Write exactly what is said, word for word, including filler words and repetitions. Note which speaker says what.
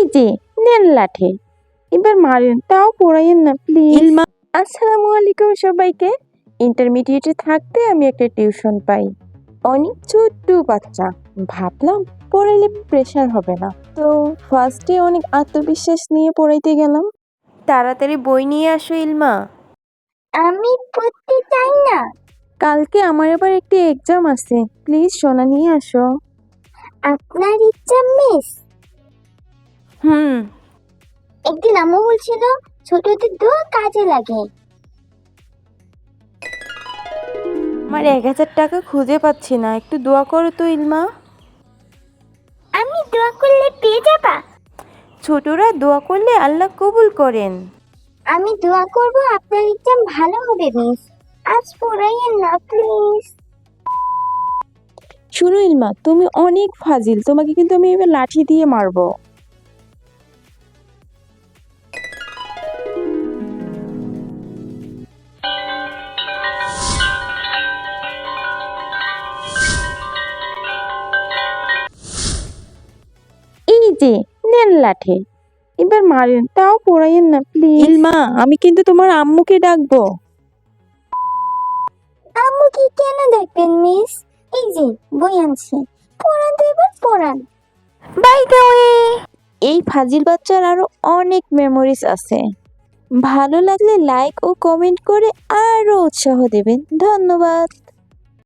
Speaker 1: যে নেন লাঠি, এবার মারেন, তাও পড়াইয়েন না প্লিজ।
Speaker 2: ইলমা
Speaker 1: আসসালামু আলাইকুম সবাইকে। ইন্টারমিডিয়েটে থাকতে আমি একটা টিউশন পাই, অনেক ছোট্ট বাচ্চা। ভাবলাম পড়াইলে প্রেশার হবে না, তো ফার্স্টে অনেক আত্মবিশ্বাস নিয়ে পড়াইতে গেলাম।
Speaker 2: তাড়াতাড়ি বই নিয়ে আসো ইলমা।
Speaker 3: আমি পড়তে চাই না।
Speaker 1: কালকে আমার আবার একটি এক্সাম আছে, প্লিজ সোনা নিয়ে আসো।
Speaker 3: আপনার ইচ্ছা মিস।
Speaker 2: হুম
Speaker 3: একদিন আম্মু বলছিল ছোটদের দোয়া কাজে লাগে।
Speaker 2: আমার এক হাজার টাকা খুঁজে পাচ্ছি না, একটু দোয়া করো তো ইলমা।
Speaker 3: আমি দোয়া করলে পেয়ে যাবা।
Speaker 2: ছোটরা দোয়া করলে আল্লাহ কবুল করেন।
Speaker 3: আমি দোয়া করব আপনার এক্সাম ভালো হবে মিস। আজ পড়াইয়েন না প্লিজ।
Speaker 1: শুনো ইলমা, তুমি অনেক ফাজিল, তোমাকে কিন্তু আমি এবার লাঠি দিয়ে মারবো। এই যে নেন লাঠি, এবার মারেন, তাও পড়াইয়েন না প্লিজ।
Speaker 2: ইলমা আমি কিন্তু তোমার আম্মুকে ডাকবো।
Speaker 3: আম্মুকে কেন দেখবেন মিস? এই যে বই আনছি, পড়ান তো এবার পড়ান।
Speaker 2: বাই দ্য ওয়ে,
Speaker 1: এই ফাজিল বাচ্চার আরো অনেক মেমোরিজ আছে। ভালো লাগলে লাইক ও কমেন্ট করে আরো উৎসাহ দেবেন। ধন্যবাদ।